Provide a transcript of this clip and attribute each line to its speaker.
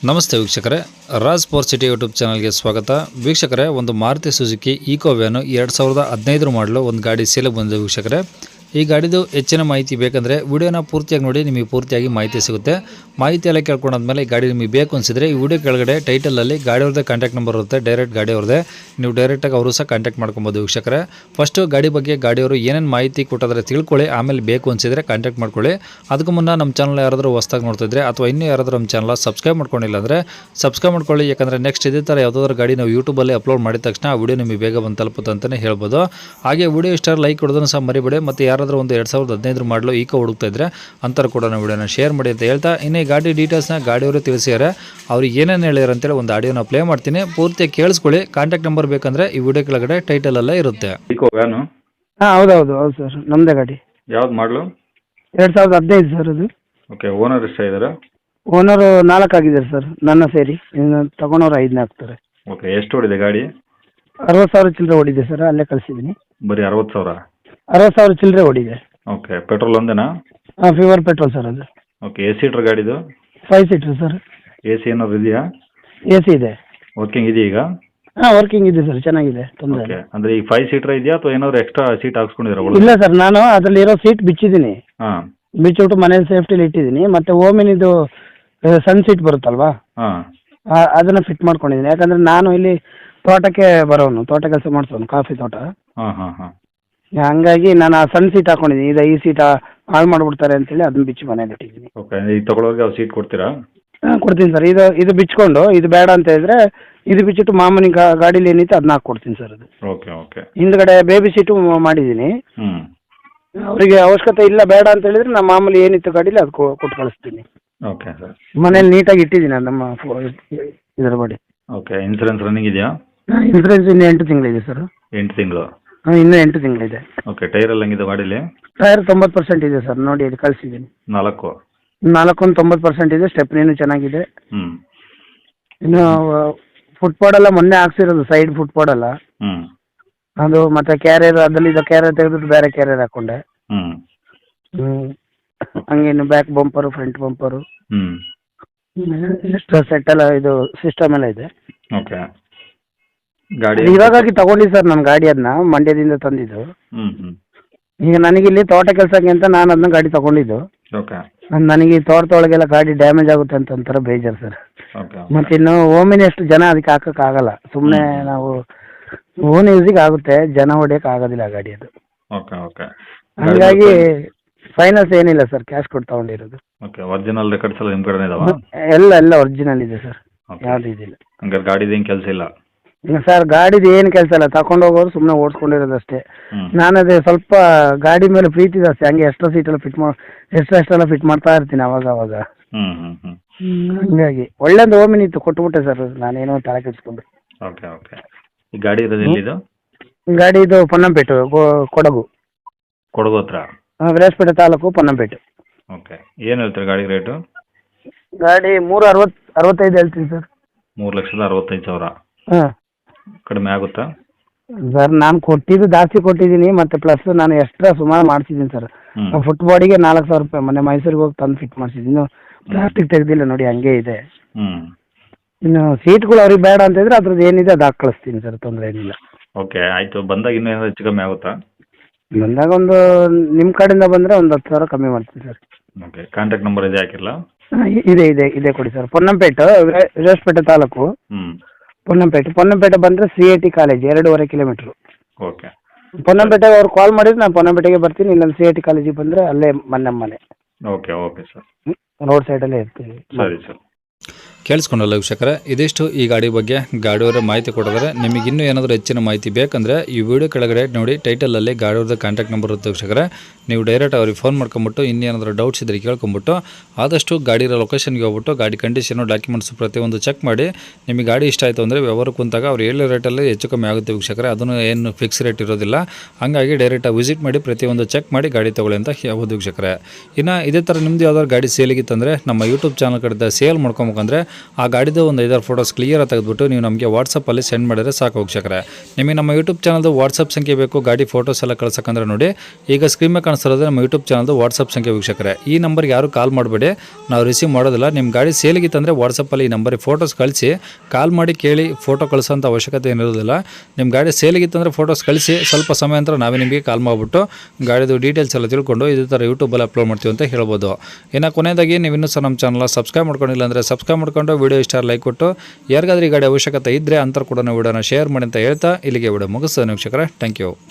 Speaker 1: ನಮಸ್ತೆ ವೀಕ್ಷಕರೇ, Raj power city YouTube ಚಾನಲ್ಗೆ ಸ್ವಾಗತ. ವೀಕ್ಷಕರೇ, ಒಂದು ಮಾರುತಿ ಸುಜುಕಿ ಈಕೋ ವ್ಯಾನು 2015 ಮಾಡಲು ಒಂದು ಗಾಡಿ ಸೇಲಿಗೆ ಬಂದಿದೆ ವೀಕ್ಷಕರೇ. ಈ ಗಾಡಿದು ಹೆಚ್ಚಿನ ಮಾಹಿತಿ ಬೇಕಂದರೆ ವಿಡಿಯೋನ ಪೂರ್ತಿಯಾಗಿ ನೋಡಿ, ನಿಮಗೆ ಪೂರ್ತಿಯಾಗಿ ಮಾಹಿತಿ ಸಿಗುತ್ತೆ. ಮಾಹಿತಿ ಎಲ್ಲ ಕೇಳ್ಕೊಂಡಾದ್ಮೇಲೆ ಈ ಗಾಡಿ ನಿಮಗೆ ಬೇಕು ಅನಿಸಿದ್ರೆ ಈ ವಿಡಿಯೋ ಕೆಳಗಡೆ ಟೈಟಲಲ್ಲಿ ಗಾಡಿಯವ್ರದ್ದೇ ಕಾಂಟ್ಯಾಕ್ಟ್ ನಂಬರ್ ಇರುತ್ತೆ, ಡೈರೆಕ್ಟ್ ಗಾಡಿಯವ್ರದ್ದೇ, ನೀವು ಡೈರೆಕ್ಟಾಗಿ ಅವರು ಸಹ ಕಾಂಟ್ಯಾಕ್ಟ್ ಮಾಡ್ಕೊಬೋದು ವೀಕ್ಷಕರೇ. ಫಸ್ಟು ಗಾಡಿ ಬಗ್ಗೆ ಗಾಡಿಯವರು ಏನೇನು ಮಾಹಿತಿ ಕೊಟ್ಟಿದ್ರೆ ತಿಳ್ಕೊಳ್ಳಿ, ಆಮೇಲೆ ಬೇಕು ಅನಿಸಿದ್ರೆ ಕಾಂಟ್ಯಾಕ್ಟ್ ಮಾಡ್ಕೊಳ್ಳಿ. ಅದಕ್ಕೂ ಮುನ್ನ ನಮ್ಮ ಚಾನಲ್ ಯಾರಾದರೂ ಹೊಸ್ದಾಗಿ ನೋಡ್ತಿದ್ರೆ ಅಥವಾ ಇನ್ನೂ ಯಾರಾದರೂ ನಮ್ಮ ಚಾನಲ್ ಸಬ್ಸ್ಕ್ರೈಬ್ ಮಾಡ್ಕೊಂಡಿಲ್ಲ ಅಂದರೆ ಸಬ್ಸ್ಕ್ರೈಬ್ ಮಾಡ್ಕೊಳ್ಳಿ. ಯಾಕಂದರೆ ನೆಕ್ಸ್ಟ್ ಇದೇ ಥರ ಯಾವುದಾದ್ರೂ ಗಾಡಿ ನಾವು ಯೂಟ್ಯೂಬಲ್ಲಿ ಅಪ್ಲೋಡ್ ಮಾಡಿದ ತಕ್ಷಣ ಆ ವಿಡಿಯೋ ನಿಮಗೆ ಬೇಗ ಬಂದು ತಲುಪುತ್ತೆ ಅಂತಲೇ ಹೇಳ್ಬೋದು. ಹಾಗೆ ವಿಡಿಯೋ ಇಷ್ಟ ಲೈಕ್ ಕೊಡೋದನ್ನು ಸಹ ಮರಿಬೇಡಿ. ಮತ್ತು ಯಾರಾದರೂ ಒಂದು 2015 ಮಾಡಲು ಈಕೋ ಹುಡುಕ್ತಾ ಇದ್ದರೆ ಅಂತರ ಕೂಡ ನಾವು ವಿಡಿಯೋನ ಶೇರ್ ಮಾಡಿ ಅಂತ ಹೇಳ್ತಾ, ಇನ್ನು ಈ ಗಾಡಿ ಡೀಟೇಲ್ಸ್ನ ಗಾಡಿಯವರು ತಿಳಿಸಿದ್ದಾರೆ. ಅವ್ರಿಗೆ ಏನೇನು ಹೇಳ್ಯಾರ ಅಂತೇಳಿ ಒಂದು ಆಡಿಯೋನ ಪ್ಲೇ ಮಾಡ್ತೀನಿ, ಪೂರ್ತಿಯಾಗಿ ಕೇಳಿಸ್ಕೊಳ್ಳಿ. ಕಾಂಟ್ಯಾಕ್ಟ್ ನಂಬರ್ ಬೇಕಂದರೆ ಈ ವಿಡಿಯೋ ಕೆಳಗಡೆ ಟೈಟಲಲ್ಲೇ ಇರುತ್ತೆ.
Speaker 2: ಈಕೋ ವ್ಯಾನು
Speaker 3: ಹೌದು ಸರ್, ನಮ್ಮದೇ ಗಾಡಿ.
Speaker 2: ಯಾವ್ದು ಮಾಡಲು?
Speaker 3: 2015 ಸರ್ ಅದು.
Speaker 2: Okay, owner ಎಷ್ಟಾಗಿದ್ದಾರೆ?
Speaker 3: ಓನರು 4 ಆಗಿದ್ದಾರೆ ಸರ್, ನನ್ನ ಸೇರಿ. ಇನ್ನು ತಗೊಂಡವ್ರು 5 ಆಗ್ತಾರೆ.
Speaker 2: ಓಕೆ, ಎಷ್ಟು ಓಡಿದೆ ಗಾಡಿ?
Speaker 3: 60,000 ಚಿಲ್ಲರೆ ಓಡಿದೆ ಸರ್, ಅಲ್ಲೇ ಕಳಿಸಿದ್ದೀನಿ.
Speaker 2: ಬರೀ 60,000?
Speaker 3: 60,000 ಚಿಲ್ಲರೆ ಓಡಿದೆ.
Speaker 2: ಓಕೆ, ಪೆಟ್ರೋಲ್ ಒಂದೇನಾ?
Speaker 3: ಫೀವರ್ ಪೆಟ್ರೋಲ್ ಸರ್ ಅದು.
Speaker 2: ಓಕೆ, ಎ ಸೀಟ್ರ್ ಗಾಡಿದು?
Speaker 3: 5 ಸೀಟ್ರ್ ಸರ್.
Speaker 2: ಎ ಸಿ ಏನಾದ್ರು ಇದೆಯಾ?
Speaker 3: AC ಇದೆ.
Speaker 2: ವರ್ಕಿಂಗ್ ಇದೆಯಾ ಈಗ?
Speaker 3: ವರ್ಕಿಂಗ್ ಇದೆ ಸರ್, ಚೆನ್ನಾಗಿದೆ, ತೊಂದರೆ
Speaker 2: ಓಕೆ,
Speaker 3: ಇಲ್ಲ.
Speaker 2: ಅಂದರೆ ಈಗ 5 ಸೀಟ್ರ್ ಇದೆಯಾ ಅಥವಾ ಏನಾದ್ರು ಎಕ್ಸ್ಟ್ರಾ ಸೀಟ್ ಹಾಕ್ಸ್ಕೊಂಡಿದ್ದೀರಾ?
Speaker 3: ಇಲ್ಲ ಸರ್, ನಾನು ಅದರಲ್ಲಿರೋ ಸೀಟ್ ಬಿಚ್ಚಿದ್ದೀನಿ.
Speaker 2: ಹಾಂ,
Speaker 3: ಬಿಚ್ಚಿಬಿಟ್ಟು ಮನೇಲಿ ಸೇಫ್ಟಿಲಿ ಇಟ್ಟಿದ್ದೀನಿ. ಮತ್ತು ಓಮಿನಿದು ಸನ್ ಸೀಟ್ ಬರುತ್ತಲ್ವಾ,
Speaker 2: ಹಾಂ,
Speaker 3: ಅದನ್ನು ಫಿಟ್ ಮಾಡ್ಕೊಂಡಿದ್ದೀನಿ. ಯಾಕಂದರೆ ನಾನು ಇಲ್ಲಿ ತೋಟಕ್ಕೆ ಬರೋನು, ತೋಟ ಕೆಲಸ ಮಾಡಿಸೋನು, ಕಾಫಿ ತೋಟ.
Speaker 2: ಹಾಂ, ಹಾಂ, ಹಾಂ.
Speaker 3: ಹಂಗಾಗಿ ನಾನು ಆ ಸಣ್ಣ ಸೀಟ್ ಹಾಕೊಂಡಿದ್ದೀನಿ. ಇದು ಈ ಸೀಟ್ ಹಾಳು ಮಾಡಿಬಿಡ್ತಾರೆ ಅಂತೇಳಿ ಅದನ್ನ ಬಿಚ್ಚಿ ಮನೇಲಿ ಇಟ್ಟಿದ್ದೀನಿ.
Speaker 2: ಓಕೆ, ಈಗ ತಗೊಳ್ಳೋರಿಗೆ ಅವ್ರು ಸೀಟ್ ಕೊಡ್ತೀರಾ?
Speaker 3: ಕೊಡ್ತೀನಿ ಸರ್. ಇದು ಬಿಚ್ಕೊಂಡು ಇದು ಬೇಡ ಅಂತ ಹೇಳಿದ್ರೆ ಇದು ಬಿಚ್ಚಿಟ್ಟು ಮಾಮೂಲಿ ಗಾಡೀಲಿ ಏನಿತ್ತು ಅದನ್ನ ಹಾಕ್ಕೊಡ್ತೀನಿ ಸರ್. ಅದು
Speaker 2: ಓಕೆ, ಓಕೆ.
Speaker 3: ಹಿಂದ್ಗಡೆ ಬೇಬಿ ಸೀಟು ಮಾಡಿದ್ದೀನಿ.
Speaker 2: ಹ್ಞೂ,
Speaker 3: ಅವರಿಗೆ ಅವಶ್ಯಕತೆ ಇಲ್ಲ ಬೇಡ ಅಂತ ಹೇಳಿದ್ರೆ ನಾನು ಮಾಮೂಲಿ ಏನಿತ್ತು ಗಾಡೀಲಿ ಅದು ಕೊಟ್ಟು ಕಳಿಸ್ತೀನಿ.
Speaker 2: Okay sir.
Speaker 3: ಮನೇಲಿ ನೀಟಾಗಿ ಇಟ್ಟಿದ್ದೀನಿ ನಮ್ಮ ಇದರ ಬಡಿ.
Speaker 2: ಓಕೆ, ಇನ್ಸೂರೆನ್ಸ್ ರನ್ನಿಂಗ್ ಇದೆಯಾ?
Speaker 3: ಇನ್ಸೂರೆನ್ಸ್ ಇನ್ನು 8 ತಿಂಗಳಿದೆ ಸರ್.
Speaker 2: 8 ತಿಂಗಳು?
Speaker 3: ಇನ್ನೂ 8 ತಿಂಗಳಿದೆ.
Speaker 2: ಓಕೆ, ಟೈರ್ ಎಲ್ಲ ಹೆಂಗಿದೆ ಗಾಡೀಲಿ?
Speaker 3: ಟೈರ್ 90% ಇದೆ ಸರ್, ನೋಡಿ ಅದು ಕಳಿಸಿದ್ದೀನಿ.
Speaker 2: 4?
Speaker 3: 90% ಇದೆ. ಸ್ಟೆಪ್ನಿನೂ ಚೆನ್ನಾಗಿದೆ.
Speaker 2: ಹ್ಞೂ.
Speaker 3: ಇನ್ನು ಫುಟ್ಪಾಡ್ ಎಲ್ಲ ಮೊನ್ನೆ ಹಾಕ್ಸಿರೋದು, ಸೈಡ್ ಫುಟ್ಪಾಡ್ ಎಲ್ಲ
Speaker 2: ಹ್ಞೂ.
Speaker 3: ಅದು. ಮತ್ತೆ ಕ್ಯಾರಿಯರ್ ಅದರಲ್ಲಿ ಇದು ಕ್ಯಾರಿಯರ್ ತೆಗೆದ್ಬಿಟ್ಟು ಬೇರೆ ಕ್ಯಾರಿಯರ್ ಹಾಕೊಂಡೆ.
Speaker 2: ಹ್ಞೂ.
Speaker 3: ಹಂಗೆ ಇನ್ನು ಬ್ಯಾಕ್ ಬಂಪರು, ಫ್ರಂಟ್ ಬಂಪರು,
Speaker 2: ಹ್ಞೂ.
Speaker 3: ಸೆಟ್ ಎಲ್ಲ ಇದು ಸಿಸ್ಟಮ್ ಎಲ್ಲ ಇದೆ.
Speaker 2: ಓಕೆ, ಗಾಡಿ
Speaker 3: ಇವಾಗಾಗಿ ತಗೊಂಡಿ ಸರ್ ನಾನು ಗಾಡಿ, ಅದನ್ನ ಮಂಡ್ಯದಿಂದ ತಂದಿದ್ದು.
Speaker 2: ಹ್ಞೂ, ಹ್ಞೂ.
Speaker 3: ಈಗ ನನಗಿಲ್ಲಿ ತೋಟ ಕೆಲಸಕ್ಕೆ ಅಂತ ನಾನು ಅದನ್ನ ಗಾಡಿ ತಗೊಂಡಿದ್ದು.
Speaker 2: ಓಕೆ,
Speaker 3: ನನಗೆ ಈ ತೋಟದೊಳಗೆಲ್ಲ ಗಾಡಿ ಡ್ಯಾಮೇಜ್ ಆಗುತ್ತೆ ಅಂತ ಒಂಥರ ಬೇಜಾರು ಸರ್.
Speaker 2: ಓಕೆ.
Speaker 3: ಮತ್ತೆ ಇನ್ನು ಓಮಿನ ಎಷ್ಟು ಜನ ಅದಕ್ಕೆ ಹಾಕಕ್ಕಾಗಲ್ಲ, ಸುಮ್ಮನೆ ನಾವು ಓನ್ ಯೂಸಿಗೆ ಆಗುತ್ತೆ, ಜನ ಹೊಡಿಯಕ್ಕೆ ಆಗೋದಿಲ್ಲ ಗಾಡಿ ಅದು.
Speaker 2: Okay, okay.
Speaker 3: ಹಂಗಾಗಿ ಫೈನಾನ್ಸ್ ಏನಿಲ್ಲ ಸರ್, ಕ್ಯಾಶ್ ಕೊಟ್ಟು ತಗೊಂಡಿರೋದು.
Speaker 2: ಓಕೆ, ಒರಿಜಿನಲ್ ರೆಕಾರ್ಡ್ಸ್ ಎಲ್ಲ ನಿಮ್ಮ ಕಡೆ ಇದಾವ?
Speaker 3: ಎಲ್ಲ ಒರಿಜಿನಲ್ ಇದೆ ಸರ್, ಯಾವ್ದು ಇದಿಲ್ಲ.
Speaker 2: ಹಂಗಾರೆ ಗಾಡಿದು ಏನು ಕೆಲಸ ಇಲ್ಲ?
Speaker 3: ಈಗ ಸರ್ ಗಾಡಿದು ಏನು ಕೆಲಸ ಇಲ್ಲ, ತಗೊಂಡು ಹೋಗೋರು ಸುಮ್ಮನೆ ಓಡಿಸ್ಕೊಂಡಿರೋದಷ್ಟೇ. ನಾನು ಅದೇ ಸ್ವಲ್ಪ ಗಾಡಿ ಮೇಲೆ ಪ್ರೀತಿ ಜಾಸ್ತಿ, ಹಂಗೆ ಎಕ್ಸ್ಟ್ರಾ ಸೀಟೆಲ್ಲ ಎಷ್ಟೆಲ್ಲ ಫಿಟ್ ಮಾಡ್ತಾ ಇರ್ತೀನಿ ಅವಾಗ ಅವಾಗ. ಹಂಗಾಗಿ ಒಳ್ಳೇದು ಓಮಿನಿ ಇತ್ತು, ಕೊಟ್ಬಿಟ್ಟೆ ಸರ್ ನಾನೇನೋ ತಲೆ ಕೆಡಿಸ್ಕೊಂಡು.
Speaker 2: Okay, okay. ಈ ಗಾಡಿ ಇರೋದು ಎಲ್ಲಿದು?
Speaker 3: ಗಾಡಿ ಇದು ಪೊನ್ನಂಪೇಟು, ಕೊಡಗು.
Speaker 2: ಕೊಡಗು ಹತ್ರ?
Speaker 3: ವಿರಾಜಪೇಟೆ ತಾಲೂಕು, ಪೊನ್ನಂಪೇಟೆ.
Speaker 2: ಓಕೆ, ಏನು ಹೇಳ್ತೀರಿ ಗಾಡಿ ರೇಟು?
Speaker 3: ಗಾಡಿ 365 ಹೇಳ್ತೀನಿ ಸರ್.
Speaker 2: 3,65,000?
Speaker 3: ಹಾಂ.
Speaker 2: ಕಡಿಮೆ ಆಗುತ್ತಾ
Speaker 3: ಸರ್? ನಾನು ಕೊಟ್ಟಿದ್ದು ಜಾಸ್ತಿ ಕೊಟ್ಟಿದ್ದೀನಿ, ಮತ್ತು ಪ್ಲಸ್ ನಾನು ಎಕ್ಸ್ಟ್ರಾ ಸುಮಾರು ಮಾಡಿಸಿದ್ದೀನಿ ಸರ್. ಫುಟ್ಬಾಡಿಗೆ 4,000 ರೂಪಾಯಿ ಮೊನ್ನೆ ಮೈಸೂರಿಗೆ ಹೋಗಿ ತಂದು ಫಿಟ್ ಮಾಡಿಸಿದ್ದೀನಿ. ಇನ್ನು ಪ್ಲಾಸ್ಟಿಕ್ ತೆಗೆದಿಲ್ಲ ನೋಡಿ, ಹಂಗೆ ಇದೆ. ಇನ್ನು ಸೀಟ್ಗಳು ಅವ್ರಿಗೆ ಬೇಡ ಅಂತ ಇದ್ರೆ ಅದ್ರದ್ದು ಏನಿದೆ ಅದು ಹಾಕಿ ಕಳಿಸ್ತೀನಿ ಸರ್, ತೊಂದರೆ ಏನಿಲ್ಲ.
Speaker 2: ಓಕೆ, ಆಯಿತು. ಬಂದಾಗ ಇನ್ನೂ ಏನಾದ್ರು ಹೆಚ್ಚು ಕಮ್ಮಿ ಆಗುತ್ತಾ?
Speaker 3: ಬಂದಾಗ ಒಂದು ನಿಮ್ಮ ಕಡೆಯಿಂದ ಬಂದರೆ ಒಂದು 10,000 ಕಮ್ಮಿ ಮಾಡ್ತೀನಿ ಸರ್.
Speaker 2: ಓಕೆ, ಕಾಂಟ್ಯಾಕ್ಟ್ ನಂಬರ್ ಇದೆ ಹಾಕಿರಲ್ಲ?
Speaker 3: ಇದೆ ಕೊಡಿ ಸರ್. ಪೊನ್ನಂಪೇಟು, ವಿರಾಜಪೇಟೆ ತಾಲೂಕು, ಪೊನ್ನಂಪೇಟೆ ಬಂದರೆ CIT ಕಾಲೇಜ್ 2.5 ಕಿಲೋಮೀಟ್ರು.
Speaker 2: ಓಕೆ.
Speaker 3: ಪೊನ್ನಂಪೇಟೆಗೆ ಅವ್ರು ಕಾಲ್ ಮಾಡಿದ್ರೆ ನಾನು ಪೊನ್ನಂಪೇಟೆಗೆ ಬರ್ತೀನಿ, ಇಲ್ಲ CIT ಕಾಲೇಜಿಗೆ ಬಂದರೆ ಅಲ್ಲೇ ಮನೆ.
Speaker 2: Okay, okay sir.
Speaker 3: ರೋಡ್ ಸೈಡಲ್ಲೇ ಇರ್ತೀವಿ.
Speaker 2: ಸರಿ ಸರ್.
Speaker 1: ಕೇಳಿಸ್ಕೊಂಡಲ್ಲ ವೀಕ್ಷಕರೇ, ಇದಿಷ್ಟು ಈ ಗಾಡಿ ಬಗ್ಗೆ ಗಾಡಿಯವರ ಮಾಹಿತಿ ಕೊಡಿದ್ರೆ. ನಿಮಗೆ ಇನ್ನೂ ಏನಾದರೂ ಹೆಚ್ಚಿನ ಮಾಹಿತಿ ಬೇಕಂದರೆ ಈ ವಿಡಿಯೋ ಕೆಳಗಡೆ ನೋಡಿ ಟೈಟಲಲ್ಲಿ ಗಾಡಿಯವ್ರದ್ದು ಕಾಂಟ್ಯಾಕ್ಟ್ ನಂಬರ್ ಇರುತ್ತೆ ವೀಕ್ಷಕರೇ. ನೀವು ಡೈರೆಕ್ಟ್ ಅವ್ರಿಗೆ ಫೋನ್ ಮಾಡ್ಕೊಂಬಿಟ್ಟು ಇನ್ನೇನಾದರೂ ಡೌಟ್ಸ್ ಇದ್ದರೆ ಕೇಳ್ಕೊಂಬಿಟ್ಟು ಆದಷ್ಟು ಗಾಡಿರೋ ಲೊಕೇಶನ್ಗೆ ಹೋಗ್ಬಿಟ್ಟು ಗಾಡಿ ಕಂಡೀಷನು, ಡಾಕ್ಯುಮೆಂಟ್ಸ್ ಪ್ರತಿಯೊಂದು ಚೆಕ್ ಮಾಡಿ. ನಿಮಗೆ ಗಾಡಿ ಇಷ್ಟ ಆಯಿತು ಅಂದರೆ ವ್ಯವಹಾರ ಕುಂತಾಗ ಅವ್ರು ಹೇಳೋ ರೇಟಲ್ಲಿ ಹೆಚ್ಚು ಕಮ್ಮಿ ಆಗುತ್ತೆ ವೀಕ್ಷಕರೇ. ಅದನ್ನು ಏನು ಫಿಕ್ಸ್ ರೇಟ್ ಇರೋದಿಲ್ಲ. ಹಾಗಾಗಿ ಡೈರೆಕ್ಟಾಗಿ ವಿಸಿಟ್ ಮಾಡಿ ಪ್ರತಿಯೊಂದು ಚೆಕ್ ಮಾಡಿ ಗಾಡಿ ತೊಗೊಳ್ಳಿ ಅಂತ ಹೇಳ್ಬೋದು ವೀಕ್ಷಕರೇ. ಇನ್ನು ಇದೇ ಥರ ನಿಮ್ಮದು ಯಾವ್ದಾದ್ರು ಗಾಡಿ ಸೇಲಿಗಿತ್ತಂದರೆ ನಮ್ಮ ಯೂಟ್ಯೂಬ್ ಚಾನಲ್ ಕಡೆ ಸೇಲ್ ಮಾಡ್ಕೊಬೇಕಂದ್ರೆ ಆ ಗಾಡಿದು ಒಂದು 5-6 ಫೋಟೋಸ್ ಕ್ಲಿಯರ್ ತೆಗೆದುಬಿಟ್ಟು ನೀವು ನಮಗೆ ವಾಟ್ಸಪ್ಪಲ್ಲಿ ಸೆಂಡ್ ಮಾಡಿದರೆ ಸಾಕು ವೀಕ್ಷಕರೇ. ನಿಮಗೆ ನಮ್ಮ ಯೂಟ್ಯೂಬ್ ಚಾನಲ್ದು ವಾಟ್ಸಪ್ ಸಂಖ್ಯೆ ಬೇಕು ಗಾಡಿ ಫೋಟೋಸ್ ಎಲ್ಲ ಕಳ್ಸೋಕ್ಕಂದ್ರೆ ನೋಡಿ ಈಗ ಸ್ಕ್ರೀನ್ ಮೇಲೆ ಕಾಣಿಸ್ತಿರೋದು ನಮ್ಮ ಯೂಟ್ಯೂಬ್ ಚಾನಲ್ದು ವಾಟ್ಸಪ್ ಸಂಖ್ಯೆ ವೀಕ್ಷಕರೇ. ಈ ನಂಬರ್ಗೆ ಯಾರು ಕಾಲ್ ಮಾಡಬೇಡಿ, ನಾವು ರಿಸೀವ್ ಮಾಡೋದಿಲ್ಲ. ನಿಮ್ಮ ಗಾಡಿ ಸೇಲಿಗಿತ್ತಂದರೆ ವಾಟ್ಸಪ್ಪಲ್ಲಿ ಈ ನಂಬರಿಗೆ ಫೋಟೋಸ್ ಕಳಿಸಿ ಕಾಲ್ ಮಾಡಿ ಕೇಳಿ ಫೋಟೋ ಕಳಿಸೋಂಥ ಅವಶ್ಯಕತೆ ಏನಿರೋದಿಲ್ಲ. ನಿಮ್ಮ ಗಾಡಿ ಸೇಲಿಗಿತ್ತಂದರೆ ಫೋಟೋಸ್ ಕಳಿಸಿ ಸ್ವಲ್ಪ ಸಮಯ ನಂತರ ನಾವೇ ನಿಮಗೆ ಕಾಲ್ ಮಾಡಿಬಿಟ್ಟು ಗಾಡಿದು ಡೀಟೇಲ್ಸ್ ಎಲ್ಲ ತಿಳ್ಕೊಂಡು ಇದೇ ಥರ ಯೂಟ್ಯೂಬಲ್ಲಿ ಅಪ್ಲೋಡ್ ಮಾಡ್ತೀವಿ ಅಂತ ಹೇಳ್ಬೋದು. ಇನ್ನು ಕೊನೆಯದಾಗಿ ನೀವು ಇನ್ನೂ ಸಹ ನಮ್ಮ ಚಾನಲ್ನ ಸಬ್ಸ್ಕ್ರೈಬ್ ಮಾಡ್ಕೊಂಡಿಲ್ಲ ಅಂದರೆ ಸಬ್ಸ್ಕ್ರೈಬ್ ಮಾಡ್ಕೊಂಡು ವಿಡಿಯೋ ಇಷ್ಟ ಲೈಕ್ ಕೊಟ್ಟು ಯಾರಿಗಾದ್ರೂ ಈ ಗಾಡಿ ಅವಶ್ಯಕತೆ ಇದ್ದರೆ ಅಂತರ ಕೂಡ ವಿಡಿಯೋನ ಶೇರ್ ಮಾಡಿ ಅಂತ ಹೇಳ್ತಾ ಇಲ್ಲಿಗೆ ವಿಡಿಯೋ ಮುಗಿಸ್ತೇನೆ ವೀಕ್ಷಕರೇ. Thank you.